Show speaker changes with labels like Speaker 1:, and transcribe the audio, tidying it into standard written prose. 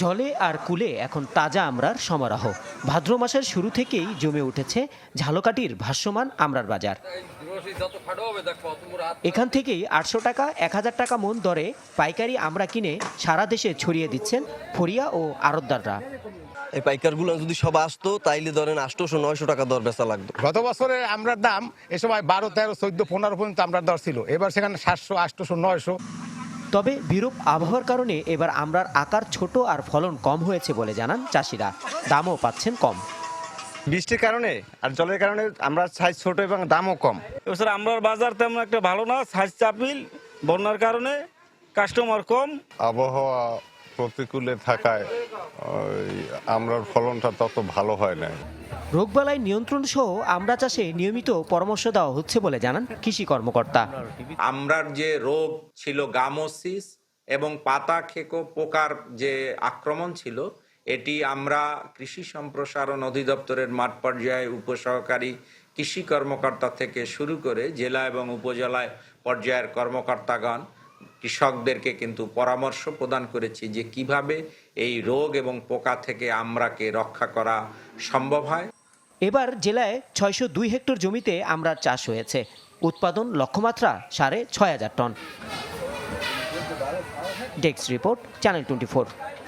Speaker 1: জলে আর কুলে এখন তাজা আমড়ার সমারোহ। ভাদ্র মাসের শুরু থেকেই জমে উঠেছে ঝালকাঠির ভাসমান আমড়ার বাজার। এখান থেকেই 800 টাকা 1000 টাকা মন দরে পাইকারি আমড়া কিনে সারা দেশে ছড়িয়ে দিচ্ছেন ফরিয়া ও আড়তদাররা।
Speaker 2: এই পাইকারগুলো যদি সব আসতো তাইলে ধরেন 800-900 টাকা দর বেচা লাগতো।
Speaker 3: গত বছরে আমরার দাম এ সময় 12, 13, 14, 15 পর্যন্ত আমরার দর ছিল। এবার সেখানে 700, 800, 900।
Speaker 1: তবে বিরূপ আবহাওয়ার কারণে এবার আমড়ার আকার ছোট আর ফলন কম হয়েছে বলে জানান চাষিরা। দামও পাচ্ছেন কম।
Speaker 4: বৃষ্টির কারণে আর জলের কারণে আমরা সাইজ ছোট এবং দামও কম।
Speaker 5: এবছর আমরার বাজার তেমন একটা ভালো না, সাইজ চাপিল, বন্যার কারণে কাস্টমার কম।
Speaker 6: আবহাওয়া প্রতিকূলে থাকায় আমরার ফলনটা তত ভালো হয় না।
Speaker 1: রোগবালাই নিয়ন্ত্রণ সহ আমড়া চাষে নিয়মিত পরামর্শ দেওয়া হচ্ছে বলে জানান কৃষি কর্মকর্তা।
Speaker 7: আমরার যে রোগ ছিল গামোসিস এবং পাতা খেকো পোকার যে আক্রমণ ছিল, এটি আমরা কৃষি সম্প্রসারণ অধিদপ্তরের মাঠ পর্যায়ে উপসহকারী কৃষি কর্মকর্তা থেকে শুরু করে জেলা এবং উপজেলায় পর্যায়ের কর্মকর্তাগণ কৃষকদেরকে কিন্তু পরামর্শ প্রদান করেছি যে কিভাবে এই রোগ এবং পোকা থেকে আমরাকে রক্ষা করা সম্ভব হয়।
Speaker 1: এবার জেলায় 602 হেক্টর জমিতে আমড়ার চাষ হয়েছে। উৎপাদন লক্ষ্যমাত্রা 6500 টন। Desk report, channel 24।